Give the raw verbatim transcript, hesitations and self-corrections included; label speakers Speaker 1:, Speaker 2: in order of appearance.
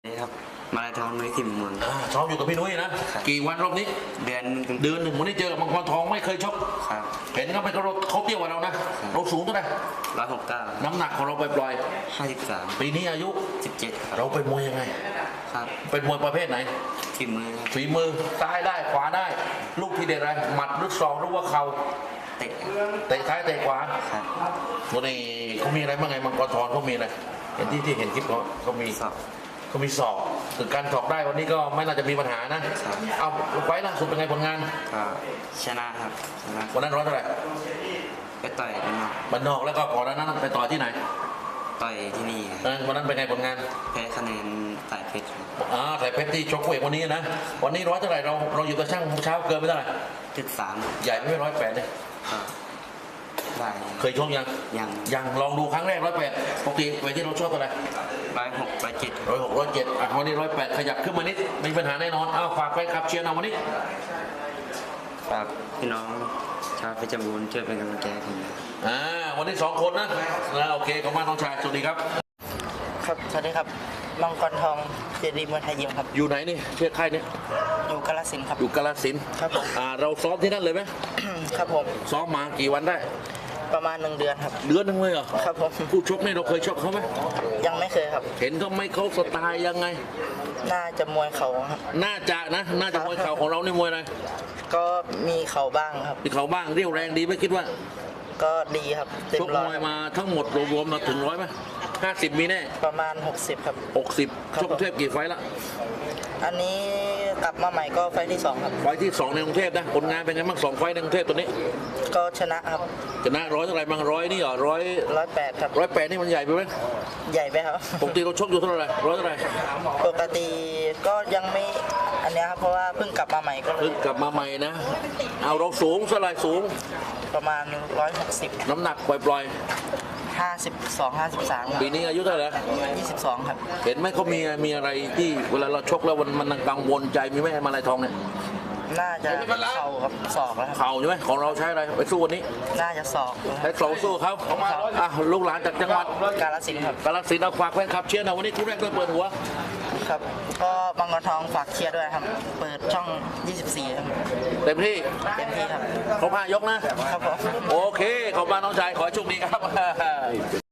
Speaker 1: นี่ครับมาลายทองนุ้ยสิมเมือง
Speaker 2: ซ้อมอยู่กับพี่นุ้ยนะกี่วันรอบนี้
Speaker 1: เดือน
Speaker 2: เดือนหนึ่งวันนี้เจอกับมังกรทองไม่เคยชก
Speaker 1: ครับ
Speaker 2: เห็นเขาไปเขาเขาเตี้ยกว่าเรานะเราสูงเท่าไหร่
Speaker 1: ร้อยหกเก้า
Speaker 2: น้ำหนักของเราปล่อย
Speaker 1: ห้าสิบสาม
Speaker 2: ปีนี้อายุ
Speaker 1: สิบเจ็ด
Speaker 2: เราเป็นมวยยังไง
Speaker 1: ครับ
Speaker 2: เป็นมวยประเภทไหน
Speaker 1: ฝีมือ
Speaker 2: ฝีมือซ้ายได้ขวาได้ลูกที่เด็ดอะไรหมัดหรือศอกหรือว่าเข่า
Speaker 1: เตะ
Speaker 2: เตะซ้ายเตะขวา
Speaker 1: ครับ
Speaker 2: วันนี้เขามีอะไรบ้างไงมังกรทองเขามีอะไรเห็นที่ที่เห็นคลิปเขาเขามี
Speaker 1: สอบ
Speaker 2: เขามีสอบคือการสอบได้วันนี้ก็ไม่น่าจะมีปัญหานะเอาไว้ล่าสุดเป็นไงผลงาน
Speaker 1: ก็ชนะครับชนะ
Speaker 2: วันนั้นร้อยเท่าไหร่
Speaker 1: ไปต่อยบ้านนอก
Speaker 2: บ้านนอกแล้วก็ก่อนนั้นไปต่อที่ไหน
Speaker 1: ต่อยที่นี่
Speaker 2: วันนั้นเป็นไงผลงาน
Speaker 1: แพ้คะแนนสายเพชร
Speaker 2: อ่าสายเพชรที่ชกเวกวันนี้นะวันนี้ร้อยเท่าไหร่เราเราอยู่กับช่างเช้าเกินไปเท่าไหร่
Speaker 1: จุดสาม
Speaker 2: ใหญ่ไม่ร้อยแปดเลย
Speaker 1: ได้
Speaker 2: เคยชกยัง
Speaker 1: ยัง
Speaker 2: ยังลองดูครั้งแรกร้อยแปดปกติเวทีเราชอบอะไร
Speaker 1: ร้อยหกร้อยเจ็ด
Speaker 2: ร้อยหกร้อยเจ็ดอ่ะวันนี้ร้อยแปดขยับขึ้นมานิดไม่มีปัญหาแน่นอนอ้าวฝากไปขับเชียร์นะวันนี้
Speaker 1: ฝากพี่น้องชาวเพชรบูรณ์ช่วยเป็นกำลังใจให้ผม
Speaker 2: อ่าวันนี้สองคนนะนะโอเคขอบคุณน้องชายสวัสดีครับ
Speaker 3: ครับสวัสดีครับมังกรทองเจดีมวยไทยยิมครับ
Speaker 2: อยู่ไหนนี่เชื่อค่ายนี้
Speaker 3: อยู่กาฬสินธุ์ครับ
Speaker 2: อยู่กาฬสินธุ์
Speaker 3: ครับผม
Speaker 2: อ่าเราซ้อมที่นั่นเลยไหม
Speaker 3: ครับผม
Speaker 2: ซ้อมมากี่วันได้
Speaker 3: ประมาณหนึ่งเดือนครับ
Speaker 2: เดือนนึงเลยเหรอ
Speaker 3: ครับผม
Speaker 2: ผู้ชกนี่เราเคยชกเขาไหม
Speaker 3: ยังไม่เคยครับ
Speaker 2: เห็นเขาไม่เขาสไตล์ยังไง
Speaker 3: น่าจะมวยเข่าครับ
Speaker 2: น่าจะนะน่าจะมวยเข่าของเรานี่มวยอะไร
Speaker 3: ก็มีเข่าบ้างครับ
Speaker 2: มีเข่าบ้างเรี่ยวแรงดีไหมคิดว่า
Speaker 3: ก็ดีครับ
Speaker 2: ชกมวยมาทั้งหมดรวมๆมาถึงร้อยไหมห้าสิบมีแน่
Speaker 3: ประมาณหกสิบครับ
Speaker 2: หกสิบชกกรุงเทพกี่ไฟละ
Speaker 3: อันนี้กลับมาใหม่ก็ไฟที่สองครับ
Speaker 2: ไฟที่สองในกรุงเทพนะผลงานเป็นไงบ้างสองไฟในกรุงเทพตัวนี้
Speaker 3: ก็ชนะครับ
Speaker 2: ชนะร้อยเท่าไหร่บางร้อยนี่เหรอร้อย
Speaker 3: ร้อยแปดครับ
Speaker 2: ร้อยแปดนี่มันใหญ่ไปไหม
Speaker 3: ใหญ่ไปครับ
Speaker 2: ปกติเราชกอยู่เท่าไหร่ร้อยเท่าไหร่
Speaker 3: ปกติก็ยังไม่อันนี้ครับเพราะว่าเพิ่งกลับมาใหม่ก็
Speaker 2: เพิ่งกลับมาใหม่นะเอาเราสูงเท่าไหร่สูง
Speaker 3: ประมาณร้อยหกสิบ
Speaker 2: น้ำหนักปล่อย
Speaker 3: ๆห้าสิบสอง ห้าสิบสาม
Speaker 2: ปีนี้อายุเท่าไหร่
Speaker 3: ยี่สิบสองครับ
Speaker 2: เห็นไหมเขามีมีอะไรที่เวลาเราชกแล้วมันมันกังวลใจมีไหมมาลายทองเนี่ย
Speaker 3: น่าจะเข่ากับศอกแล้วครับ
Speaker 2: เข่าใช่ไหมของเราใช้อะไรไปสู้วันนี้
Speaker 3: น่าจะศอก
Speaker 2: ใช้เข่าสู้เขาอ่ะลูกหลานจากจังหวัด
Speaker 3: กาฬสินธุ์ครับ
Speaker 2: กาฬสินธุ์เอาฝากแฟนคลับเชียร์นะวันนี้คู่แรกต้องเปิดหัว
Speaker 3: ครับก็มังกรทองฝากเชียร์ด้วยครับเปิดช่องยี่สิบสี่ครับ
Speaker 2: เต็มที่
Speaker 3: เต็มที่ครับ
Speaker 2: เขาพายกนะครับ
Speaker 3: ผม
Speaker 2: โอเคขอบคุณน้องชายขอโชคดีครับ